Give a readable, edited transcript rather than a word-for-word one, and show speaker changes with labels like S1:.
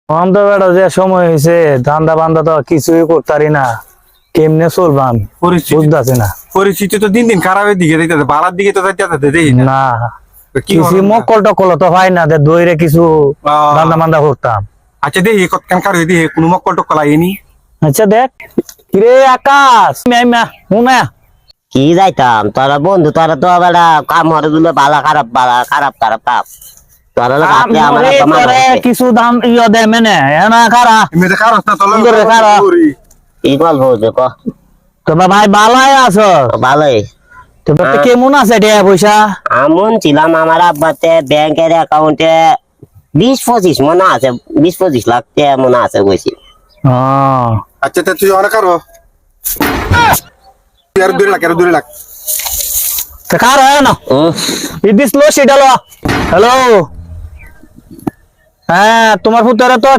S1: আমাদের বেটা যে সময় হয়েছে ধান্দা বান্দা তো কিছুই করতারি না, কেমনে চলবাম বুঝতেছি না।
S2: পরিস্থিতি তো দিন দিন খারাপের দিকে যাইতেছে, বাড়ার দিকে তো যাইতেছে দেখি না।
S1: না
S2: কি
S1: কিছু
S2: হবে না?
S1: মক্কল টকল তো হয় না, দইরে কিছু ধান্দা বান্দা করতাম।
S2: আচ্ছা দেখি কতক্ষণ কার দিয়ে কোনো মক্কল টক্কল আইনি।
S1: আচ্ছা দেখ কিরে আকাশ, শুনা
S3: কি যাইতাম তোরা বন্ধু, তোরা তো বেটা কাম হরে দিলে বালা খারাপ কাম তোরা লোক আপনি আমার
S1: কিছু দাম ইয়ে দে মেনে না খারা
S2: এমনিতে খারাপ না তোলা
S1: সুন্দর রে, খারাপ।
S3: কি গল্প হচ্ছে ক?
S1: তোমার ভাই ভালোই আছো?
S3: ভালোই।
S1: তোমার তো কেমন আছে টাকা পয়সা?
S3: আমন ছিলাম আমার আব্বাতে ব্যাংকের অ্যাকাউন্টে 20-25 মনে আছে, 20-25 লাখ টাকা মনে আছে বলছি।
S2: আচ্ছা তা তুই অনেক আরো আর 2 লাখ
S1: কার হয় না ইদিস লো সেটা লো। হ্যালো, হ্যাঁ তোমার পুত্র তো